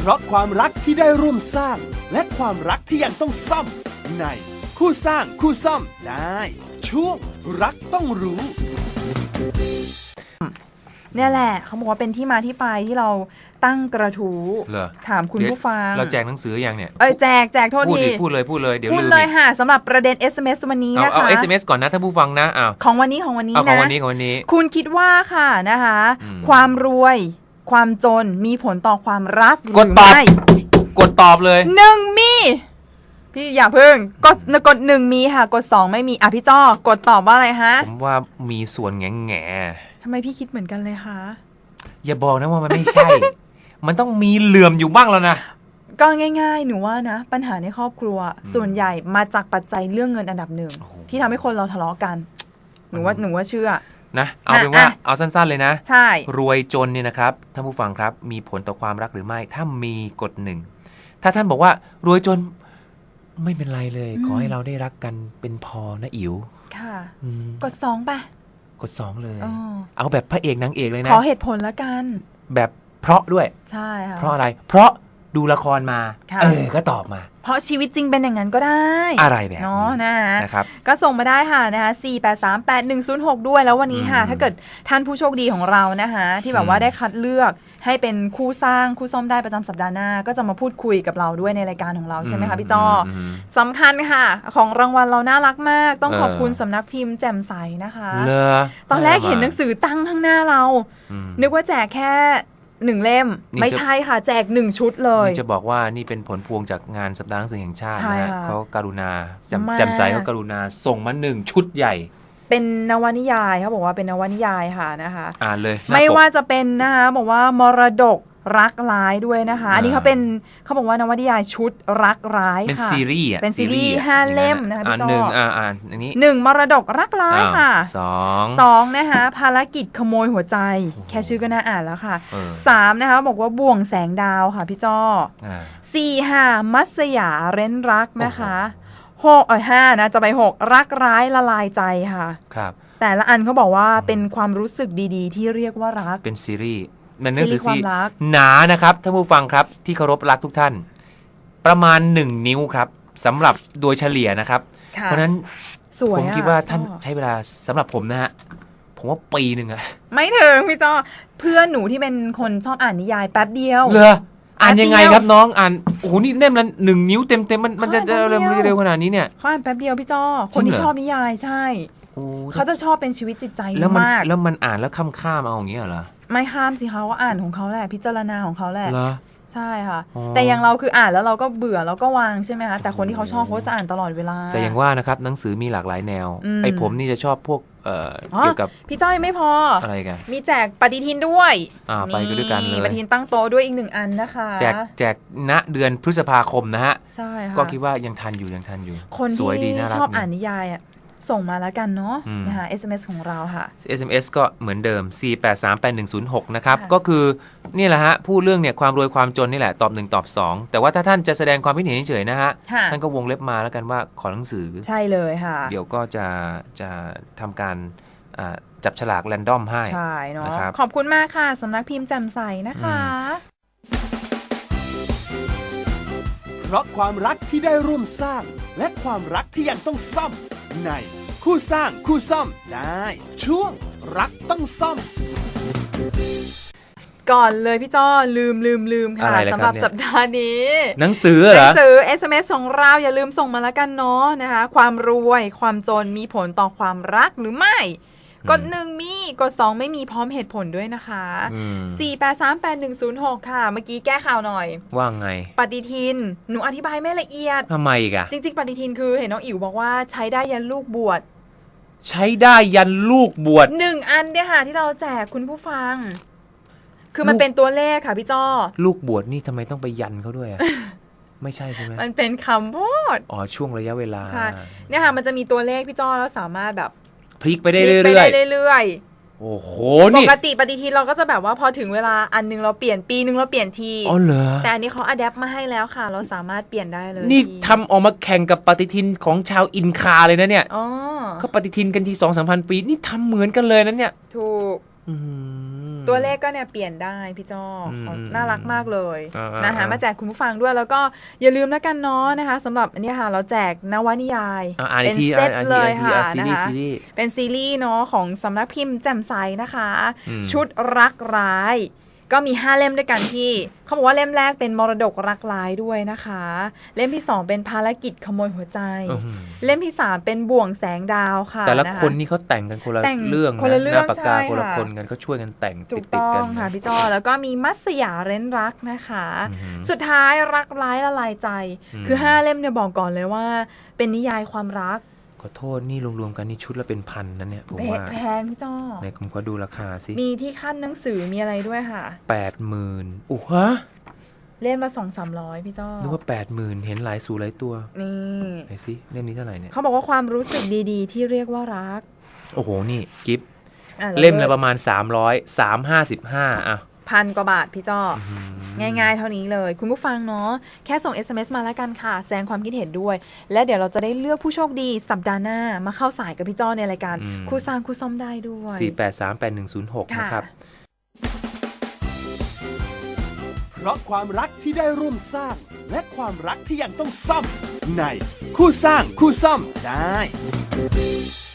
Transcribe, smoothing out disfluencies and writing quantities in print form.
ราะความรักที่ได้ร่วมสร้างและความรักที่ยังต้องซ่อมในคู่สร้างคู่ซ่อมได้ช่วงรักต้องรู้เนี่ยแหละเขาบอกว่าเป็นที่มาที่ไปที่เราตั้งกระทู้ถามคุณผู้ฟังเราแจกหนังสือยังเนี่ยแจกโทษทีพูดเลยเดี๋ยวพูดเลยค่ะสำหรับประเด็น SMS วันนี้นะคะเอา SMS ก่อนนะท่านผู้ฟังนะของวันนี้นะของวันนี้คุณคิดว่าค่ะนะคะความรวยความจนมีผลต่อความรักหรือไม่กดตอบเลย 1มีพี่อย่าเพิ่งกด1มีค่ะกด2ไม่มีพี่จ้อกดตอบว่าอะไรฮะผมว่ามีส่วนแง่ทำไมพี่คิดเหมือนกันเลยคะอย่าบอกนะว่ามันไม่ใช่ มันต้องมีเหลื่อมอยู่บ้างแล้วนะก็ง่ายๆหนูว่านะปัญหาในครอบครัวส่วนใหญ่มาจากปัจจัยเรื่องเงินอันดับหนึ่งที่ทำให้คนเราทะเลาะกันหนูว่าเชื่อนะเอาเป็นว่าเอาสั้นๆเลยนะใช่รวยจนเนี่ยนะครับท่านผู้ฟังครับมีผลต่อความรักหรือไม่ถ้ามีกด1ถ้าท่านบอกว่ารวยจนไม่เป็นไรเลยขอให้เราได้รักกันเป็นพอนะอิ๋วค่ะกด2ป่ะกด2เลยเอาแบบพระเอกนางเอกเลยนะขอเหตุผลละกันแบบเพราะด้วยใช่ค่ะเพราะอะไรเพราะดูละครมาก็ตอบมาเพราะชีวิตจริงเป็นอย่างนั้นก็ได้อะไรแบบนี้นะครับก็ส่งมาได้ค่ะนะคะ4838106ด้วยแล้ววันนี้ค่ะถ้าเกิดท่านผู้โชคดีของเรานะคะที่แบบว่าได้คัดเลือกให้เป็นคู่สร้างคู่ซ่อมได้ประจำสัปดาห์หน้าก็จะมาพูดคุยกับเราด้วยในรายการของเราใช่ไหมคะพี่จ้อสำคัญค่ะของรางวัลเราน่ารักมากต้องขอบคุณสำนักพิมพ์แจ่มใสนะคะตอนแรกเห็นหนังสือตั้งข้างหน้าเรานึกว่าแจกแค่1เล่มไม่ใช่ค่ะแจก1ชุดเลยจะบอกว่านี่เป็นผลพวงจากงานสัปดาห์หนังสือแห่งชาตินะเขากรุณาแจ่มใสเขากรุณาส่งมา1ชุดใหญ่เป็นนวนิยายเขาบอกว่าเป็นนวนิยายค่ะนะคะอ่านเลยไม่ว่าจะเป็นนะคะบอกว่ามรดกรักร้ายด้วยนะคะอันนี้เขาบอกว่านวนิยายชุดรักร้ายค่ะเป็นซีรีส์ 5เล่มนะคะพี่ต่ออันนี้ 1มรดกรักร้ายค่ะ2นะคะภารกิจขโมยหัวใจแค่ชื่อก็น่าอ่านแล้วค่ะ3นะคะบอกว่าบ่วงแสงดาวค่ะพี่จ้อ4ค่ะมัสยาเร้นรักนะคะ5นะจะไป6รักร้ายละลายใจค่ะครับแต่ละอันเขาบอกว่าเป็นความรู้สึกดีๆที่เรียกว่ารักเป็นซีรีส์มันหนังสือซีหนานะครับท่านผู้ฟังครับที่เคารพรักทุกท่านประมาณ1นิ้วครับสำหรับโดยเฉลี่ยนะครับเพราะนั้นผมคิดว่าท่านใช้เวลาสำหรับผมนะฮะผมว่าปีนึงอะไม่ถึงพี่จ้อเพื่อนหนูที่เป็นคนชอบอ่านนิยายแป๊บเดียวเหรออ่านยังไงครับน้องอ่านโอ้โหนี่เล่มละ1นิ้วเต็มมันจะเร็วขนาดนี้เนี่ยเขาอ่านแป๊บเดียวพี่จ้อคนที่ชอบนิยายใช่เขาจะชอบเป็นชีวิตจิตใจมากแล้วมันอ่านแล้วข้ามเอาอย่างเงี้ยเหรอไม่ข้ามสิเขาว่าอ่านของเขาแหละพิจารณาของเขาแหละใช่ค่ะแต่อย่างเราคืออ่านแล้วเราก็เบื่อแล้วก็วางใช่ไหมคะแต่คนที่เขาชอบเขาจะอ่านตลอดเวลาแต่อย่างว่านะครับหนังสือมีหลากหลายแนวไอ้ผมนี่จะชอบพวกเกี่ยวกับพี่จ้อยไม่พออะไรกันมีแจกปฏิทินด้วยไปกันด้วยกันเลยปฏิทินตั้งโต๊ะด้วยอีก1อันนะคะแจกณเดือนพฤษภาคมนะฮะใช่ค่ะก็คิดว่ายังทันอยู่คนที่ชอบอ่านนิยายส่งมาแล้วกันเนาะนะคะ SMS ของเราค่ะ SMS ก็เหมือนเดิม4838106นะครับก็คือนี่แหละฮะพูดเรื่องเนี่ยความรวยความจนนี่แหละตอบ1ตอบ2แต่ว่าถ้าท่านจะแสดงความคิดเห็นเฉยๆนะฮะท่านก็วงเล็บมาแล้วกันว่าขอหนังสือใช่เลยค่ะเดี๋ยวก็จะทำการจับฉลากแรนดอมให้ใช่เนาะขอบคุณมากค่ะสำนักพิมพ์แจ่มใสนะคะเพราะความรักที่ได้ร่วมสร้างและความรักที่ยังต้องซ่อมในคู่สร้างคู่ซ่อมได้ช่วงรักต้องซ่อมก่อนเลยพี่จ้อลืมค่ะสำหรับสัปดาห์นี้หนังสือเหรอ SMS ของเราอย่าลืมส่งมาแล้วกันเนาะนะคะความรวยความจนมีผลต่อความรักหรือไม่กด1มีกด2ไม่มีพร้อมเหตุผลด้วยนะคะ4838106ค่ะเมื่อกี้แก้ข่าวหน่อยว่าไงปฏิทินหนูอธิบายไม่ละเอียดทำไมอีกอะจริงๆปฏิทินคือเห็นน้องอิ๋วบอกว่าใช้ได้ยันลูกบวชใช้ได้ยันลูกบวช 1อันเนี่ยค่ะที่เราแจกคุณผู้ฟังคือมันเป็นตัวเลขค่ะพี่จ้อลูกบวชนี่ทำไมต้องไปยันเขาด้วยอะไม่ใช่ใช่ไหมมันเป็นคำพูดช่วงระยะเวลาใช่เนี่ยค่ะมันจะมีตัวเลขพี่จ้อแล้วสามารถแบบพลิกไปได้เรื่อยโอ้โหนี่ปกติปฏิทินเราก็จะแบบว่าพอถึงเวลาอันนึงเราเปลี่ยนปีนึงเราเปลี่ยนทีเหรอแต่อันนี้เขาอะแดปมาให้แล้วค่ะเราสามารถเปลี่ยนได้เลยนี่ทำออกมาแข่งกับปฏิทินของชาวอินคาเลยนะเนี่ยเขาปฏิทินกันที 2-3 พันปีนี่ทำเหมือนกันเลยนะเนี่ยถูกตัวเลขก็เนี่ยเปลี่ยนได้พี่จ้อน่ารักมากเลยนะคะมาแจกคุณผู้ฟังด้วยแล้วก็อย่าลืมแล้วกันเนาะนะคะสำหรับอันนี้ค่ะเราแจกนวนิยายเป็นเซตเลยค่ะนะคะเป็นซีรีส์เนาะของสำนักพิมพ์แจ่มใสนะคะชุดรักร้ายก็มี5เล่มด้วยกันที่เขาบอกว่าเล่มแรกเป็นมรดกรักร้ายด้วยนะคะเล่มที่2เป็นภารกิจขโมยหัวใจเล่มที่3เป็นบ่วงแสงดาวค่ะแต่ละคนนี่เขาแต่งกันคนละเรื่องนะหน้าปากกาคนละคนกันก็ช่วยกันแต่งติดกันค่ะพี่จ้อแล้วก็มีมัสยาเร้นรักนะคะสุดท้ายรักร้ายละลายใจคือ5เล่มเนี่ยบอกก่อนเลยว่าเป็นนิยายความรักขอโทษนี่รวมๆกันนี่ชุดละเป็นพันนั่นเนี่ยผมว่าแพงพี่จ้อในผมขอดูราคาสิมีที่ขั้นหนังสือมีอะไรด้วยค่ะ 80,000อู้ฮะเล่มละ 200-300 พี่จ้อนึกว่า 80,000 เห็นหลายสู่หลายตัวนี่ไหนสิเล่มนี้เท่าไหร่เนี่ยเขาบอกว่าความรู้สึกดีๆที่เรียกว่ารักโอ้โหนี่กิฟต์เล่มละประมาณ300 355อ่ะ 1,000 กว่าบาทพี่จ้อง่ายๆเท่านี้เลยคุณผู้ฟังเนาะแค่ส่ง SMS มาแล้วกันค่ะแสดงความคิดเห็นด้วยและเดี๋ยวเราจะได้เลือกผู้โชคดีสัปดาห์หน้ามาเข้าสายกับพี่จ้อในรายการคู่สร้างคู่ซ่อมได้ด้วย 4838106นะครับเพราะความรักที่ได้ร่วมสร้างและความรักที่ยังต้องซ่อมในคู่สร้างคู่ซ่อมได้